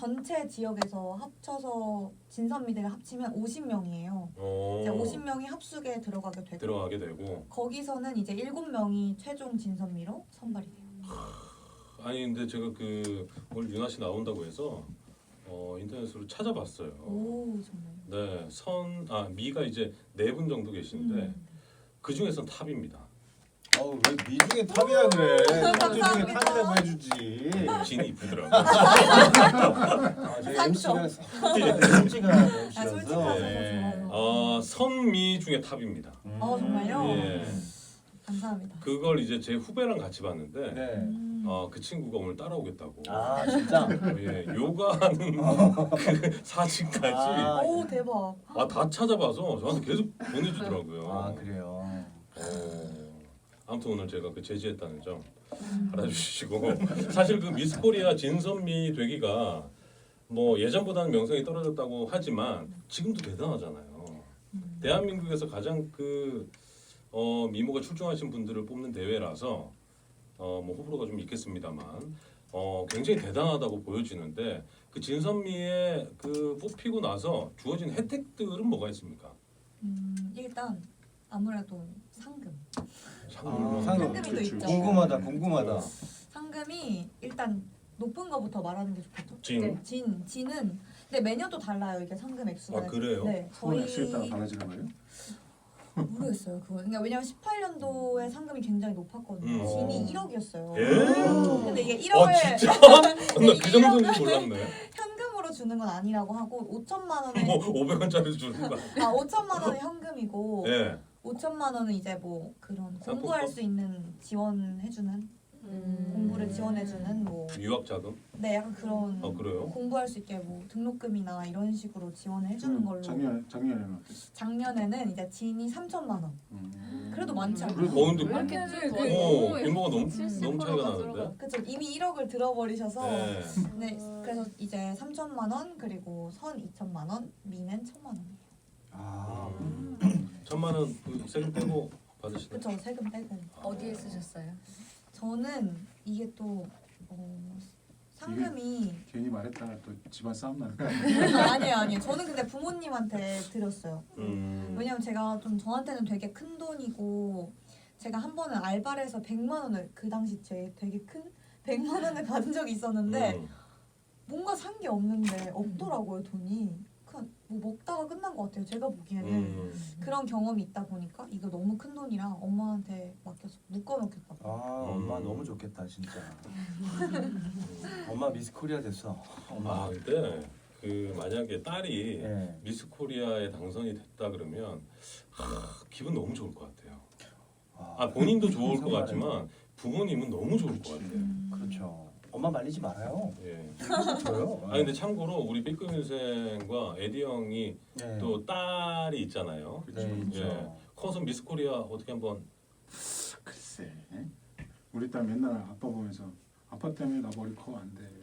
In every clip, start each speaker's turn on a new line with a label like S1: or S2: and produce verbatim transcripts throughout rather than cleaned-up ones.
S1: 전체 지역에서 합쳐서 진선미대를 합치면 오십 명이에요.
S2: 어,
S1: 이제 오십 명이 합숙에 들어가게 되고
S2: 들어가게 되고.
S1: 거기서는 이제 일곱 명이 최종 진선미로 선발이 돼요.
S2: 아니 근데 제가 그 오늘 윤아 씨 나온다고 해서 어, 인터넷으로 찾아봤어요.
S1: 오 정말.
S2: 네, 선, 아 미가 이제 네 분 정도 계시는데
S1: 음.
S2: 그 중에선 탑입니다.
S3: 어우 왜 미중에 탑이라 그래? 어째 중에
S1: 감사합니다.
S3: 탑이라고 해주지.
S2: 진이 이쁘더라고.
S3: 아, 저희
S1: 상처.
S3: 엠씨가 솔직한
S1: 아,
S3: 엠씨라서.
S1: 솔직하셔서
S2: 네.
S1: 좋아요.
S2: 어, 선미 중에 탑입니다.
S1: 어, 정말요?
S2: 예.
S1: 감사합니다.
S2: 그걸 이제 제 후배랑 같이 봤는데
S3: 네.
S1: 음.
S2: 어, 그 친구가 오늘 따라오겠다고.
S3: 아 진짜.
S2: 예, 요가하는 그 사진까지
S3: 아,
S1: 오 대박.
S2: 아, 다 찾아봐서 저한테 계속 보내주더라고요.
S3: 아 그래요.
S2: 어, 아무튼 오늘 제가 그 제지했다는 점 알아주시고 사실 그 미스 코리아 진선미 되기가 뭐 예전보다는 명성이 떨어졌다고 하지만 지금도 대단하잖아요.
S1: 음.
S2: 대한민국에서 가장 그 어, 미모가 출중하신 분들을 뽑는 대회라서 어, 뭐 호불호가 좀 있겠습니다만 어, 굉장히 대단하다고 보여지는데 그 진선미의 그 뽑히고 나서 주어진 혜택들은 뭐가 있습니까?
S1: 음, 일단 아무래도 상금.
S2: 상금.
S3: 아, 상금.
S1: 상금이 또
S4: 그렇죠.
S1: 있죠.
S3: 궁금하다 궁금하다.
S1: 상금이 일단 높은 거부터 말하는 게 좋겠죠.
S2: 진.
S1: 네, 진, 진은 근데 매년 또 달라요. 이게 상금 액수가.
S2: 아, 그래요?
S1: 네,
S4: 후원
S1: 저희
S4: 액수에 따라 달라지는 거예요?
S1: 모르겠어요. 그거. 그러니까 왜냐면 십팔 년도에 상금이 굉장히 높았거든요.
S2: 음.
S1: 진이 일억이었어요.
S2: 예?
S1: 근데 이게
S2: 어
S1: 일억을
S2: 진짜? 나
S1: 네,
S2: 그 정도인지 몰랐네.
S1: 현금으로 주는 건 아니라고 하고 오천만 원에
S2: 뭐 오백 원짜리 주는 거.
S1: 아 오천만 원은 현금이고
S2: 예.
S1: 오천만 원은 이제 뭐 그런
S2: 상품권?
S1: 공부할 수 있는 지원해주는
S5: 음.
S1: 공부를 지원해주는 뭐
S2: 유학 자금?
S1: 네 약간 그런
S2: 아 그래요?
S1: 공부할 수 있게 뭐 등록금이나 이런 식으로 지원을 해주는
S4: 음,
S1: 걸로
S4: 작년 작년에는 어땠어요?
S1: 작년에는 이제 진이 삼천만 원
S4: 음.
S1: 그래도 많지 않아요?
S4: 그래도
S2: 어 근데
S5: 왜 이렇게 그
S2: 어 규모가 너무
S5: 칠십
S2: 너무 차이가
S5: 퍼센트가
S2: 나는데.
S1: 그쵸 이미 일억을 들어버리셔서
S2: 네.
S1: 네 그래서 이제 삼천만 원 그리고 선 이천만 원 미는 천만 원이에요.
S4: 아,
S2: 음. 천만 원그 세금 빼고 받으시나요?
S1: 그쵸 세금 빼고
S5: 어디에 쓰셨어요?
S1: 저는 이게 또 어, 상금이
S4: 괜히 말했다가 또 집안 싸움 나는 거 아니에요?
S1: 아니에요 아니에요 저는 근데 부모님한테 드렸어요.
S2: 음.
S1: 왜냐면 제가 좀 저한테는 되게 큰 돈이고 제가 한 번은 알바를 해서 백만 원을 그 당시 제 되게 큰 백만 원을 받은 적이 있었는데
S2: 음.
S1: 뭔가 산 게 없는데 없더라고요 돈이. 그냥 뭐 먹다가 끝난 것 같아요 제가 보기에는.
S2: 음.
S1: 그런 경험이 있다 보니까 이거 너무 큰 돈이라 엄마한테 맡겨서 묶어놓겠다고.
S3: 아 엄마
S2: 음.
S3: 너무 좋겠다 진짜. 엄마 미스 코리아 됐어. 엄마.
S2: 아 근데 그 만약에 딸이
S3: 예.
S2: 미스 코리아에 당선이 됐다 그러면 하, 기분 너무 좋을 것 같아요. 아 본인도 좋을 것 같지만 부모님은 너무 좋을 것 같아요.
S1: 음.
S3: 그렇죠. 엄마 말리지 말아요.
S2: 예.
S3: 저요.
S2: 아 근데 참고로 우리 삐끔 인생과 에디 형이
S3: 네.
S2: 또 딸이 있잖아요.
S3: 네, 있죠.
S2: 예. 커서 미스 코리아 어떻게 한번
S4: 글쎄, 예? 우리 딸 맨날 아빠 보면서 아빠 때문에 나 머리 커 안 돼.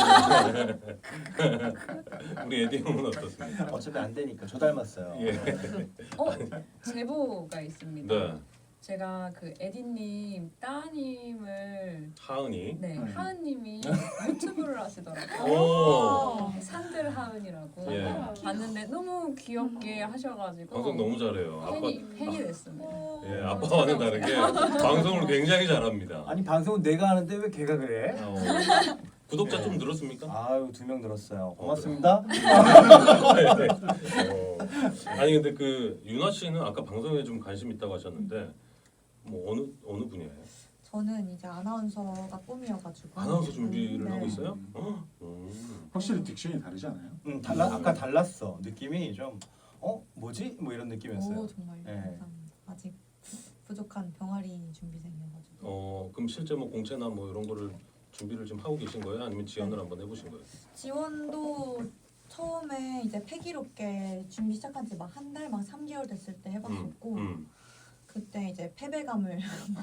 S2: 우리 에디 형은 어떻습니까?
S3: 어차피 안 되니까 저 닮았어요.
S2: 예.
S5: 어 제보가 있습니다.
S2: 네.
S5: 제가 그 에디님 따님을
S2: 하은이.
S5: 네
S4: 음.
S5: 하은님이 유튜브를 하시더라고요.
S2: 오.
S5: 산들 하은이라고
S2: 예.
S5: 봤는데 너무 귀엽게 하셔가지고
S2: 방송 너무 잘해요. 아빠.
S5: 팬이 팬이 됐습니다.
S2: 예, 아빠와는 다르게 방송을 굉장히 잘합니다.
S3: 아니 방송은 내가 하는데 왜 걔가 그래?
S2: 어. 구독자 좀 늘었습니까?
S3: 아유 두 명 늘었어요. 고맙습니다.
S2: 네. 어. 아니 근데 그 윤아 씨는 아까 방송에 좀 관심 있다고 하셨는데 뭐 어느 어느 분야예요?
S1: 저는 이제 아나운서가 꿈이어가지고.
S2: 아나운서 준비를
S1: 네.
S2: 하고 있어요?
S4: 음.
S2: 음.
S4: 확실히 딕션이 다르지 않아요?
S3: 음 달라 아까 달랐어. 느낌이 좀 어 뭐지 뭐 이런 느낌이었어요.
S1: 오 정말
S3: 네.
S1: 감사합니다. 아직 부족한 병아리 준비생이어가지고.
S2: 어 그럼 실제 뭐 공채나 뭐 이런 거를 준비를 좀 하고 계신 거예요? 아니면 지원을
S1: 네.
S2: 한번 해보신 거예요?
S1: 지원도 처음에 이제 패기롭게 준비 시작한 지 막 한 달, 막 삼 개월 됐을 때 해봤었고
S2: 음.
S1: 그때 이제 패배감을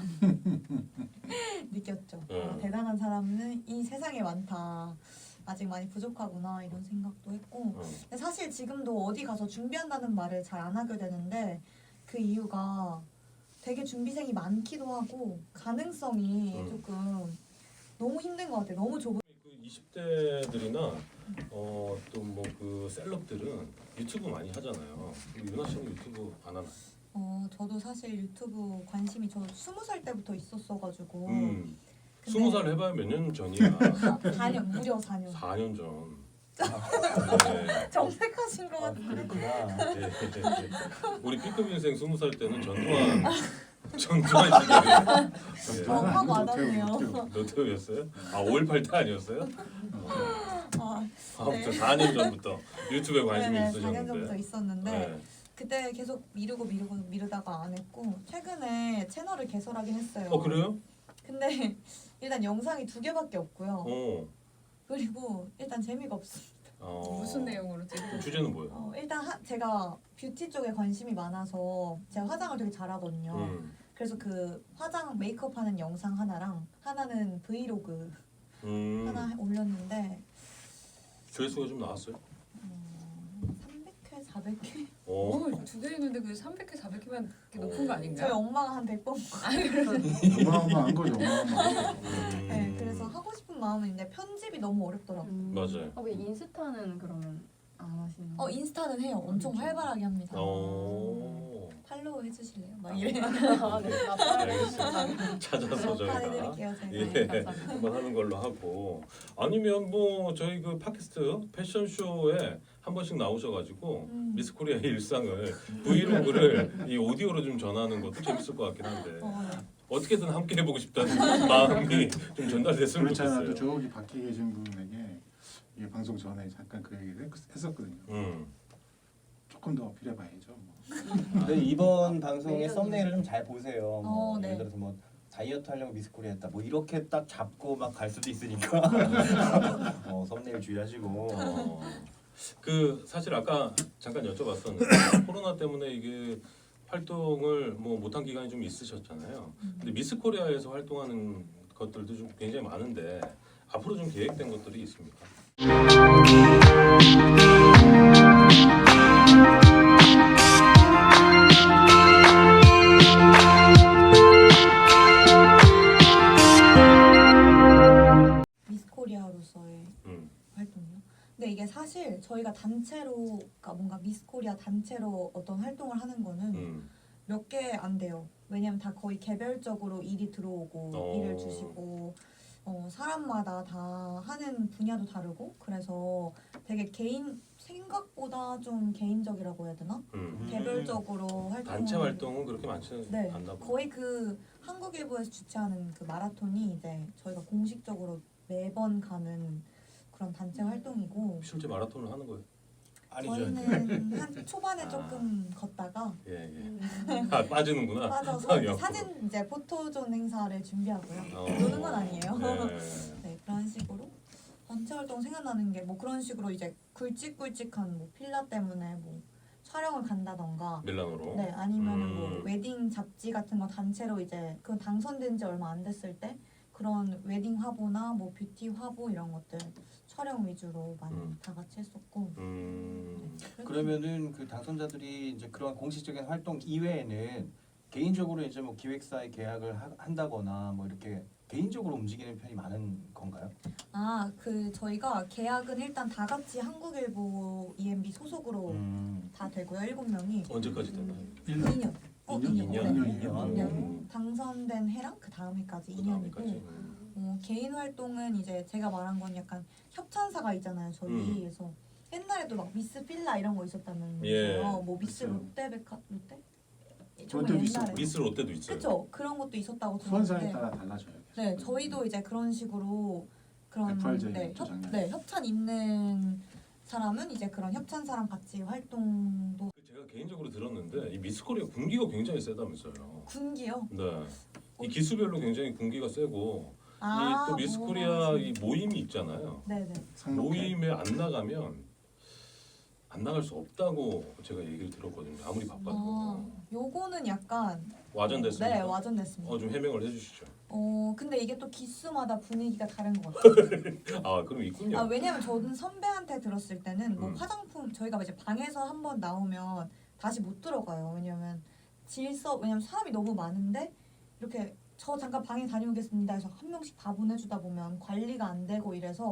S1: 느꼈죠.
S2: 네.
S1: 아, 대단한 사람은 이 세상에 많다. 아직 많이 부족하구나 이런 생각도 했고
S2: 음.
S1: 근데 사실 지금도 어디 가서 준비한다는 말을 잘 안 하게 되는데 그 이유가 되게 준비생이 많기도 하고 가능성이
S2: 음.
S1: 조금 너무 힘든 것 같아요. 너무 좁은
S2: 그 이십 대들이나 어, 또 뭐 그 셀럽들은 유튜브 많이 하잖아요. 유나 씨는 유튜브 안 하나요?
S1: 어 저도 사실 유튜브 관심이 저 스무 살 때부터 있었어가지고
S2: 음.
S1: 근데-
S2: 스무 살 해봐야 몇 년 전이야.
S1: 사 년 무려 사 년.
S2: 사 년 전. 네.
S1: 정색하신 것
S3: 아,
S1: 같은데.
S3: 그렇구나.
S2: 네. 우리 B급 인생 스무 살 때는 전두환 전두환 시절이에요. 네.
S1: 어, 확
S4: 노태우,
S1: 와닿네요.
S4: 노태우.
S2: 노태우였어요? 아 오일팔 때 아니었어요?
S1: 아,
S2: 아무튼
S1: 네.
S2: 사 년 전부터 유튜브에 관심이
S1: 네네, 사 년 전부터
S2: 있으셨는데.
S1: 있었는데
S2: 네.
S1: 그때 계속 미루고 미루고 미루다가 안 했고 최근에 채널을 개설하긴 했어요.
S2: 어 그래요?
S1: 근데 일단 영상이 두 개밖에 없고요.
S2: 어.
S1: 그리고 일단 재미가 없습니다.
S2: 어.
S5: 무슨 내용으로 찍고
S2: 주제는 뭐예요?
S1: 어, 일단 하, 제가 뷰티 쪽에 관심이 많아서 제가 화장을 되게 잘하거든요.
S2: 음.
S1: 그래서 그 화장 메이크업 하는 영상 하나랑 하나는 브이로그
S2: 음.
S1: 하나 올렸는데
S2: 조회수가 좀 나왔어요?
S1: 어, 삼백 회, 사백 회?
S2: 어.
S5: 어, 두개 있는데 그 삼백 회, 사백 회면 높은 거
S1: 저희
S5: 아닌가요?
S1: 엄마가 한 백 번.
S4: 어마어마한 거죠. 어마어마한 거.
S2: 음.
S1: 네, 그래서 하고 싶은 마음은 있는데 편집이 너무 어렵더라고요.
S6: 음.
S2: 맞아요.
S6: 어, 왜 인스타는 그러면 안 하시는
S1: 어
S6: 거예요?
S1: 인스타는 해요. 엄청 활발하게 합니다.
S2: 어.
S1: 팔로우 해주실래요? 막 이래.
S6: 아, 네. 아,
S2: 알겠습니다. 찾아서 저희가
S1: 해드릴게요 제가.
S2: 예
S6: 감사합니다.
S2: 한번 하는 걸로 하고 아니면 뭐 저희 그 팟캐스트 패션쇼에 한 번씩 나오셔가지고
S1: 음.
S2: 미스코리아의 일상을 브이로그를 이 오디오로 좀 전하는 것도 재밌을 것 같긴 한데
S1: 어, 네.
S2: 어떻게든 함께 해보고 싶다는 마음이 좀 전달됐으면
S4: 그렇지 않아도
S2: 좋겠어요.
S4: 저기 밖에 계신 분에게 이 방송 전에 잠깐 그 얘기를 했- 했었거든요.
S2: 음.
S4: 조금 더 어필해봐야죠. 뭐.
S3: 근데 이번 방송의
S6: 매력이
S3: 썸네일을 좀 잘 보세요. 뭐
S1: 어, 네.
S3: 예를 들어서 뭐 다이어트 하려고 미스코리아 했다. 뭐 이렇게 딱 잡고 막 갈 수도 있으니까 어, 썸네일 주의하시고.
S2: 어. 그 사실 아까 잠깐 여쭤봤었는데 코로나 때문에 이게 활동을 뭐 못한 기간이 좀 있으셨잖아요. 근데 미스코리아에서 활동하는 것들도 좀 굉장히 많은데 앞으로 좀 계획된 것들이 있습니까?
S1: 미스코리아로서의
S2: 음.
S1: 활동이요. 근데 이게 사실 저희가 단체로, 그러니까 뭔가 미스코리아 단체로 어떤 활동을 하는 거는
S2: 음.
S1: 몇 개 안 돼요. 왜냐면 다 거의 개별적으로 일이 들어오고
S2: 어.
S1: 일을 주시고 어, 사람마다 다 하는 분야도 다르고 그래서 되게 개인 생각보다 좀 개인적이라고 해야 되나?
S2: 음.
S1: 개별적으로 활동
S2: 단체 활동은 그렇게 많지
S1: 네
S2: 않나 보다.
S1: 거의 그 한국일보에서 주최하는 그 마라톤이 이제 저희가 공식적으로 매번 가는 그런 단체 활동이고
S2: 실제 마라톤을 하는 거예요?
S3: 아니죠.
S1: 저희는 한 초반에
S2: 아.
S1: 조금 걷다가
S2: 예 예.
S6: 음.
S2: 아 빠지는구나.
S1: 빠져서
S2: 옆으로.
S1: 사진 이제 포토존 행사를 준비하고요.
S2: 어.
S1: 노는 건 아니에요.
S2: 네.
S1: 네 그런 식으로 단체 활동 생각나는 게 뭐 그런 식으로 이제 굵직굵직한 뭐 필라 때문에 뭐 촬영을 간다던가
S2: 밀라노로.
S1: 네 아니면은
S2: 음.
S1: 뭐 웨딩 잡지 같은 거 단체로 이제 그건 당선된 지 얼마 안 됐을 때 그런 웨딩 화보나 뭐 뷰티 화보 이런 것들 촬영 위주로 많이
S2: 음.
S1: 다 같이 했었고
S2: 음.
S1: 네, 그래서
S3: 그러면은 그 당선자들이 이제 그런 공식적인 활동 이외에는 개인적으로 이제 뭐 기획사에 계약을 하, 한다거나 뭐 이렇게 개인적으로 움직이는 편이 많은 건가요?
S1: 아 그 저희가 계약은 일단 다 같이 한국일보 이엠비 소속으로
S3: 음.
S1: 다 되고요 일곱 명이
S2: 언제까지 되나요?
S1: 이 년 어,
S4: 이 년?
S1: 이 년.
S2: 이 년?
S1: 네.
S3: 이 년.
S1: 이 년.
S2: 음.
S1: 당선된 해랑 그 다음 해까지 이
S2: 그
S1: 년이고
S2: 다음에까지. 음.
S1: 어, 개인 활동은 이제 제가 말한 건 약간 협찬사가 있잖아요 저희
S2: 음.
S1: 그래서 옛날에도 막 미스 필라 이런 거 있었다면서요
S2: 예.
S1: 뭐 미스
S4: 그렇죠.
S1: 롯데백화 롯데?
S4: 롯데도
S1: 옛날에
S4: 있었고.
S2: 미스 롯데도 있어요.
S1: 그쵸 그런 것도 있었다고
S4: 후원사에
S1: 들었는데
S4: 따라 달라져요.
S1: 네 저희도 이제 그런 식으로 그런
S4: 에프알제이
S1: 네, 협,
S4: 장면.
S1: 네 협찬 있는 사람은 이제 그런 협찬사랑 같이 활동도
S2: 제가 개인적으로 들었는데 이 미스코리아 군기가 굉장히 세다면서요.
S1: 군기요.
S2: 네. 이 기수별로 굉장히 군기가 세고
S1: 아,
S2: 이 또 미스코리아
S1: 뭐,
S2: 이 모임이 있잖아요.
S1: 네네.
S4: 상록회.
S2: 모임에 안 나가면 안 나갈 수 없다고 제가 얘기를 들었거든요. 아무리 바빠도.
S1: 아, 요거는 약간
S2: 와전됐습니다.
S1: 네 와전됐습니다.
S2: 어, 좀 해명을 해주시죠.
S1: 어 근데 이게 또 기수마다 분위기가 다른 것 같아요.
S2: 아 그럼 있군요.
S1: 아 왜냐면 저는 선배한테 들었을 때는 뭐
S2: 음.
S1: 화장품 저희가 이제 방에서 한번 나오면 다시 못 들어가요. 왜냐면 질서 왜냐면 사람이 너무 많은데 이렇게 저 잠깐 방에 다녀오겠습니다 해서 한 명씩 다 보내주다 보면 관리가 안 되고 이래서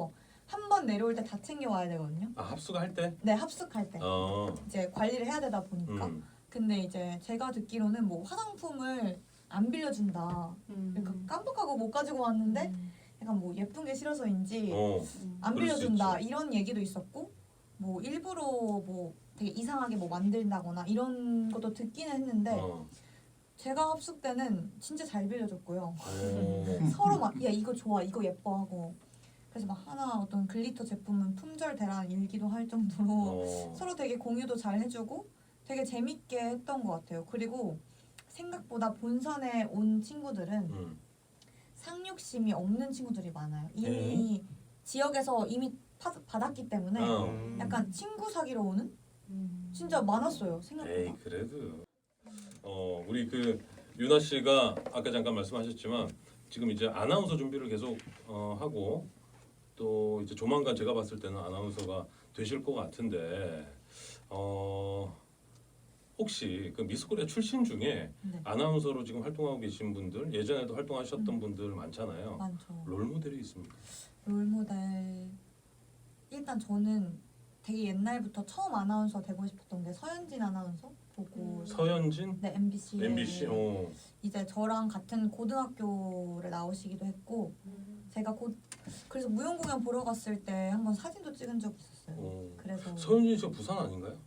S1: 한 번 내려올 때 다 챙겨 와야 되거든요.
S2: 아 합숙할 때?
S1: 네, 합숙할 때
S2: 어.
S1: 이제 관리를 해야 되다 보니까.
S2: 음.
S1: 근데 이제 제가 듣기로는 뭐 화장품을 안 빌려준다.
S6: 음.
S1: 그러니까 깜빡하고 못 가지고 왔는데 약간 뭐 예쁜 게 싫어서인지
S2: 어.
S6: 음.
S1: 안
S2: 그럴 수
S1: 빌려준다 이런 얘기도 있었고 뭐 일부러 뭐 되게 이상하게 뭐 만든다거나 이런 것도 듣기는 했는데
S2: 어.
S1: 제가 합숙 때는 진짜 잘 빌려줬고요.
S2: 어.
S1: 서로 막 야 이거 좋아 이거 예뻐 하고 그래서 막 하나 어떤 글리터 제품은 품절 대란 일기도 할 정도로
S2: 어.
S1: 서로 되게 공유도 잘 해주고 되게 재밌게 했던 것 같아요. 그리고 생각보다 본선에 온 친구들은
S2: 음.
S1: 상륙심이 없는 친구들이 많아요. 이미 지역에서 이미 파, 받았기 때문에
S2: 어.
S3: 음.
S1: 약간 친구 사귀러 오는
S6: 음.
S1: 진짜 많았어요. 생각보다.
S2: 에이 그래도 어 우리 그 유나 씨가 아까 잠깐 말씀하셨지만 지금 이제 아나운서 준비를 계속 어, 하고 또 이제 조만간 제가 봤을 때는 아나운서가 되실 것 같은데 어 혹시 그 미스코리아 출신 중에
S1: 네,
S2: 아나운서로 지금 활동하고 계신 분들 예전에도 활동하셨던
S1: 음.
S2: 분들 많잖아요.
S1: 많죠.
S2: 롤 모델이 있습니까?
S1: 롤모델 일단 저는 되게 옛날부터 처음 아나운서 되고 싶었던 게 서현진 아나운서 보고
S6: 음.
S2: 서현진,
S1: 네 엠비씨에
S2: 엠비씨, 어,
S1: 이제 저랑 같은 고등학교를 나오시기도 했고 제가 곧 그래서 무용 공연 보러 갔을 때 한번 사진도 찍은 적이 있었어요.
S2: 어.
S1: 그래서
S2: 서현진 씨가 부산 아닌가요?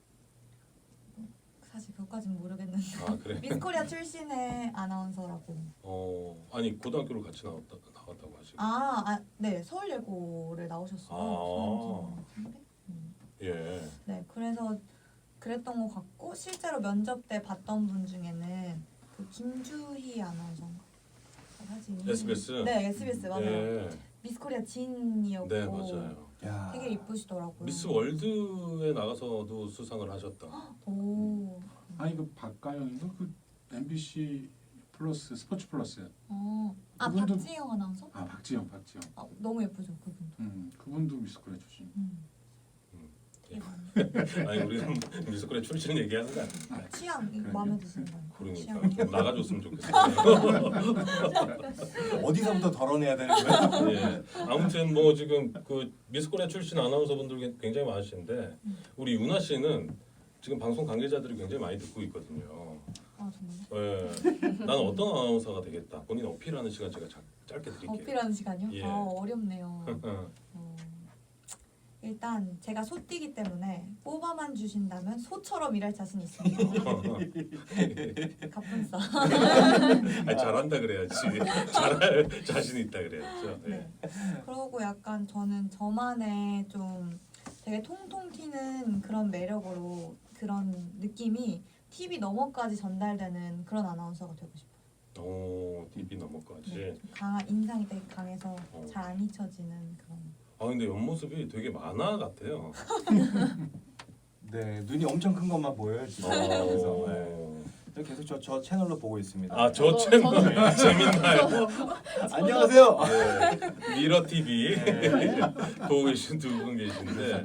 S1: 사실 그것까지는 모르겠는데
S2: 아 그래.
S1: 미스코리아 출신의 아나운서라고.
S2: 어 아니 고등학교를 같이 나왔다 나왔다고 하시고.
S1: 아, 아, 네 서울예고를 나오셨어요.
S2: 아.
S1: 서현진 선배? 음.
S2: 예.
S1: 네, 그래서 그랬던 것 같고 실제로 면접 때 봤던 분 중에는 그 김주희 아나운서인가 사진이
S2: 에스비에스.
S1: 네 에스비에스 맞아요.
S2: 예.
S1: 미스코리아 진이었고
S2: 네 맞아요.
S3: 야.
S1: 되게 이쁘시더라고요.
S2: 미스 월드에 나가서도 수상을 하셨다.
S1: 오,
S4: 아니 그 박가영인가 그 엠비씨 플러스 스포츠 플러스
S1: 어, 아
S4: 그분도-
S1: 박지영 아나운서?
S4: 아 박지영 박지영
S1: 아, 너무 예쁘죠 그분도.
S4: 음 그분도 미스코리아 출신.
S1: 음.
S2: 음.
S1: 되게 많이-
S2: 아니 우리는 미스코리아 출신 얘기하는 거 아니야.
S1: 취향
S4: 그러니까.
S1: 마음에 드시는 거
S2: 그러니까 좀 나가줬으면 좋겠어요.
S3: 어디서부터 덜어내야 되는 거야?
S2: 예. 아무튼 뭐 지금 그 미스코리아 출신 아나운서분들 굉장히 많으신데 우리 유나 씨는 지금 방송 관계자들이 굉장히 많이 듣고 있거든요.
S1: 아 정말?
S2: 예. 나는 어떤 아나운서가 되겠다. 본인 어필하는 시간 제가 자, 짧게 드릴게요.
S1: 어필하는 시간이요?
S2: 예.
S1: 아 어렵네요. 어, 일단 제가 소띠기 때문에 뽑아만 주신다면 소처럼 일할 자신 있습니다. 가뿐싸.
S2: 아니, 잘한다 그래야지. 잘할 자신 있다 그래야죠. 예.
S1: 네. 그러고 약간 저는 저만의 좀 되게 통통 튀는 그런 매력으로 그런 느낌이 티비 너머까지 전달되는 그런 아나운서가 되고 싶어요.
S2: 오, 티비 넘어까지.
S1: 네, 좀 강한 인상이 되게 강해서
S2: 어.
S1: 잘 안 잊혀지는 그런.
S2: 아 근데 옆모습이 되게 만화 같아요.
S3: 네, 눈이 엄청 큰 것만 보여요 지금. 그래서 네.
S2: 어.
S3: 계속 저, 저 채널로 보고 있습니다.
S2: 아, 저
S6: 저도-
S2: 채널
S6: 저도-
S2: 재밌나요?
S3: 안녕하세요.
S2: 네. 미러 티비
S3: 네.
S2: 보고 계신 두 분 계신데